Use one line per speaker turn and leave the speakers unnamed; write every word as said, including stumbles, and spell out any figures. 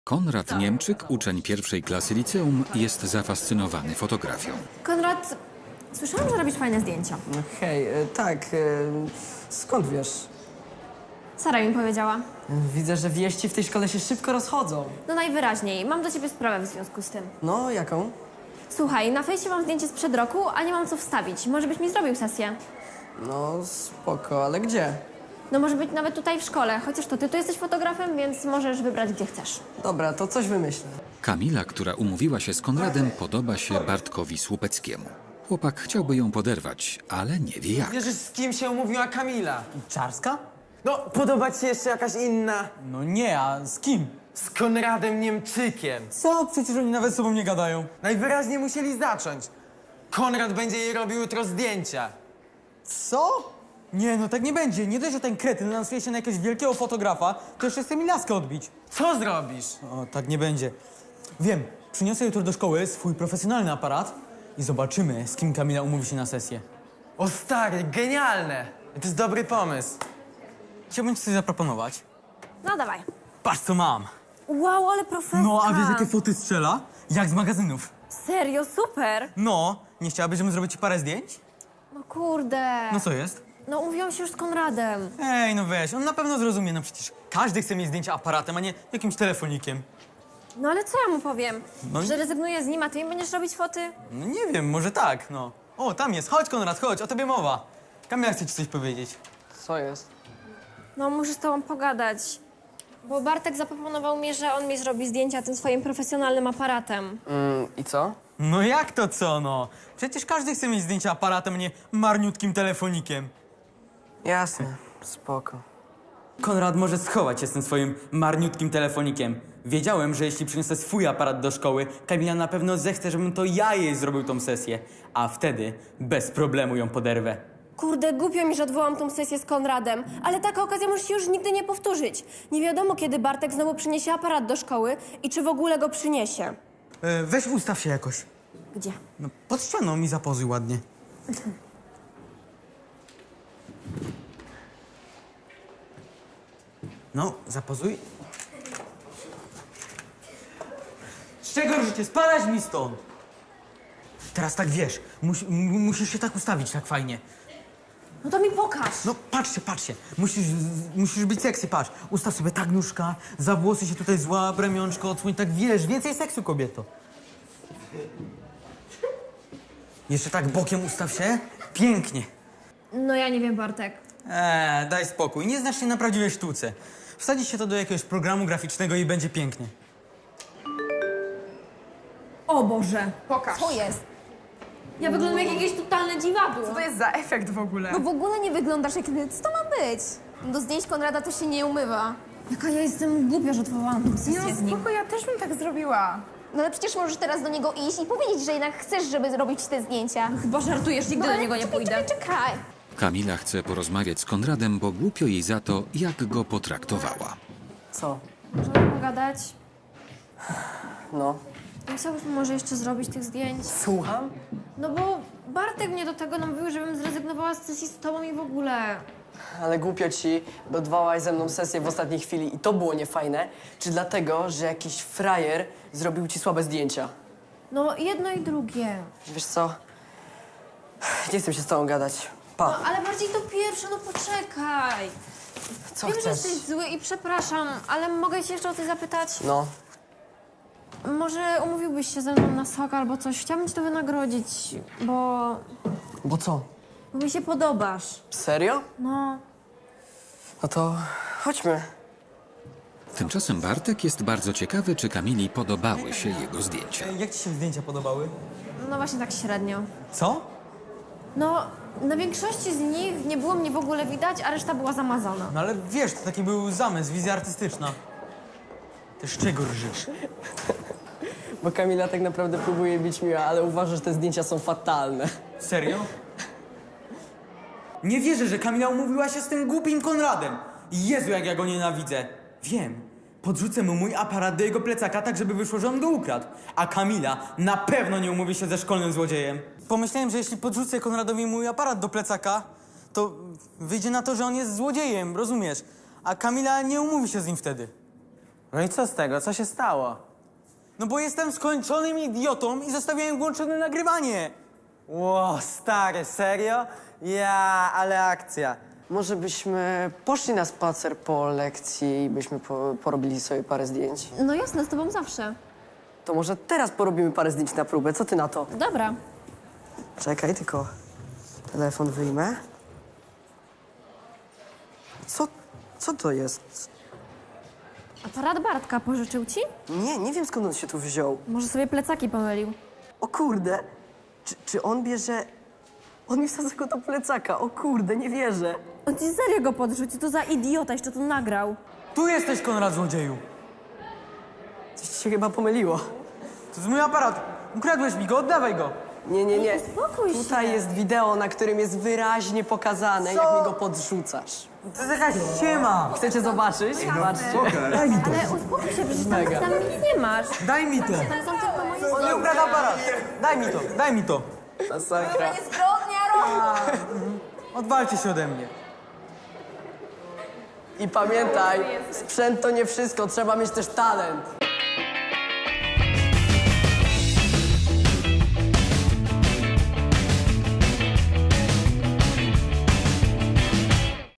Konrad Niemczyk, uczeń pierwszej klasy liceum, jest zafascynowany fotografią.
Konrad, słyszałam, że robisz fajne zdjęcia.
No hej, e, tak, e, skąd wiesz?
Sara mi powiedziała.
Widzę, że wieści w tej szkole się szybko rozchodzą.
No najwyraźniej, mam do ciebie sprawę w związku z tym.
No, jaką?
Słuchaj, na fejsie mam zdjęcie sprzed roku, a nie mam co wstawić. Może byś mi zrobił sesję?
No, spoko, ale gdzie?
No może być nawet tutaj w szkole, chociaż to ty tu jesteś fotografem, więc możesz wybrać gdzie chcesz.
Dobra, to coś wymyślę.
Kamila, która umówiła się z Konradem, podoba się Bartkowi Słupeckiemu. Chłopak chciałby ją poderwać, ale nie wie jak.
Wiesz, z kim się umówiła Kamila?
Czarska?
No, podoba ci się jeszcze jakaś inna?
No nie, a z kim?
Z Konradem Niemczykiem.
Co? Przecież oni nawet z sobą nie gadają.
Najwyraźniej musieli zacząć. Konrad będzie jej robił jutro zdjęcia.
Co? Nie, no tak nie będzie. Nie dość, że ten kretyn lansuje się na jakiegoś wielkiego fotografa, to jeszcze chce mi laskę odbić.
Co zrobisz?
O, tak nie będzie. Wiem, przyniosę jutro do szkoły swój profesjonalny aparat i zobaczymy, z kim Kamila umówi się na sesję.
O stary, genialne! To jest dobry pomysł.
Chciałbym ci coś zaproponować.
No dawaj.
Patrz, co mam.
Wow, ale profeska.
No, a wiesz, jakie foty strzela? Jak z magazynów.
Serio, super.
No, nie chciałabyś, żebym zrobił ci parę zdjęć?
No kurde.
No co jest?
No umówiłam się już z Konradem.
Ej, no weź, on na pewno zrozumie, no przecież każdy chce mieć zdjęcia aparatem, a nie jakimś telefonikiem.
No ale co ja mu powiem?
No i-
Że rezygnuję z nim, a ty mi będziesz robić foty?
No nie wiem, może tak, no. O, tam jest, chodź Konrad, chodź, o tobie mowa. Kamila chce ci coś powiedzieć.
Co jest?
No muszę z tobą pogadać. Bo Bartek zaproponował mi, że on mi zrobi zdjęcia tym swoim profesjonalnym aparatem.
Mm, i co?
No jak to co, no? Przecież każdy chce mieć zdjęcia aparatem, a nie marniutkim telefonikiem.
Jasne, spoko.
Konrad może schować się z tym swoim marniutkim telefonikiem. Wiedziałem, że jeśli przyniosę swój aparat do szkoły, Kamila na pewno zechce, żebym to ja jej zrobił tą sesję. A wtedy bez problemu ją poderwę.
Kurde, głupio mi, że odwołam tą sesję z Konradem, ale taka okazja może się już nigdy nie powtórzyć. Nie wiadomo, kiedy Bartek znowu przyniesie aparat do szkoły i czy w ogóle go przyniesie.
E, weź ustaw się jakoś.
Gdzie?
No, pod ścianą mi zapozuj ładnie. No, zapozuj. Z czego życie? Spadać mi stąd! Teraz tak wiesz, mus, m- musisz się tak ustawić, tak fajnie.
No to mi pokaż.
No patrzcie, patrzcie, musisz, z- musisz być seksy, patrz. Ustaw sobie tak nóżka, za włosy się tutaj złap, ramionczko odsłoń, tak wiesz, więcej seksu, kobieto. Jeszcze tak bokiem ustaw się, pięknie.
No ja nie wiem, Bartek.
Eee, daj spokój, nie znasz się na prawdziwej sztuce. Wsadzi się to do jakiegoś programu graficznego i będzie pięknie.
O Boże.
Pokaż.
Co jest? Ja wyglądam jak jakieś totalne dziwadło.
Co to jest za efekt w ogóle?
No w ogóle nie wyglądasz jak... Co to ma być? Do zdjęć Konrada to się nie umywa.
Jaka ja jestem głupia, że odwołałam tą sesję
No
z nim.
spoko, ja też bym tak zrobiła.
No ale przecież możesz teraz do niego iść i powiedzieć, że jednak chcesz, żeby zrobić te zdjęcia.
Chyba żartujesz, nigdy
No
do
ale
niego nie
czekaj,
pójdę.
Czekaj, czekaj.
Kamila chce porozmawiać z Konradem, bo głupio jej za to, jak go potraktowała.
Co?
Możemy pogadać?
No.
Nie chciałbyś może jeszcze zrobić tych zdjęć?
Słucham?
No bo Bartek mnie do tego namówił, żebym zrezygnowała z sesji z tobą i w ogóle.
Ale głupio ci, bo odwołałaś ze mną sesję w ostatniej chwili i to było niefajne. Czy dlatego, że jakiś frajer zrobił ci słabe zdjęcia?
No jedno i drugie.
Wiesz co? Nie chcę się z tobą gadać. Pa.
No ale bardziej to pierwsze, no poczekaj.
Co
Wiem, że
chcesz?
jesteś zły i przepraszam, ale mogę cię jeszcze o coś zapytać?
No.
Może umówiłbyś się ze mną na sok albo coś? Chciałabym ci to wynagrodzić, bo...
Bo co?
bo mi się podobasz.
Serio?
No.
No to chodźmy.
Tymczasem Bartek jest bardzo ciekawy, czy Kamili podobały się jego zdjęcia.
Ej, jak ci się zdjęcia podobały?
No właśnie tak średnio.
Co?
No, na większości z nich nie było mnie w ogóle widać, a reszta była zamazana.
No ale wiesz, to taki był zamysł, wizja artystyczna. Też czego rżysz?
Bo Kamila tak naprawdę próbuje być miła, ale uważa, że te zdjęcia są fatalne.
Serio? Nie wierzę, że Kamila umówiła się z tym głupim Konradem. Jezu, jak ja go nienawidzę. Wiem. Podrzucę mu mój aparat do jego plecaka, tak żeby wyszło, że on go ukradł. A Kamila na pewno nie umówi się ze szkolnym złodziejem. Pomyślałem, że jeśli podrzucę Konradowi mój aparat do plecaka, to wyjdzie na to, że on jest złodziejem, rozumiesz? A Kamila nie umówi się z nim wtedy.
No i co z tego? Co się stało?
No bo jestem skończonym idiotą i zostawiłem włączone nagrywanie.
Ło, stary, serio? Ja, ale akcja.
Może byśmy poszli na spacer po lekcji i byśmy po, porobili sobie parę zdjęć?
No jasne, z tobą zawsze.
To może teraz porobimy parę zdjęć na próbę. Co ty na to?
Dobra.
Czekaj, tylko telefon wyjmę. Co, co to jest?
Aparat Bartka pożyczył ci?
Nie, nie wiem skąd on się tu wziął.
Może sobie plecaki pomylił.
O kurde, czy, czy on bierze... On mi wsadza go do plecaka. O kurde, nie wierzę.
On ci serio go podrzucił, to za idiota, jeszcze to nagrał.
Tu jesteś, Konrad, złodzieju.
Coś ci się chyba pomyliło.
To jest mój aparat. Ukradłeś mi go, oddawaj go.
Nie, nie, nie.
uspokój się.
Tutaj jest wideo, na którym jest wyraźnie pokazane, jak mi go podrzucasz.
To jest jakaś ściema.
Chcecie zobaczyć? Zobaczcie.
Daj mi to.
Ale uspokój się, przecież tam,
Mega.
tam nic nie masz.
Daj mi to.
Tam są tylko moje
On nie ukradł aparat. Daj mi to, daj mi to.
Masakra.
Odwalcie się ode mnie.
I pamiętaj, sprzęt to nie wszystko, trzeba mieć też talent.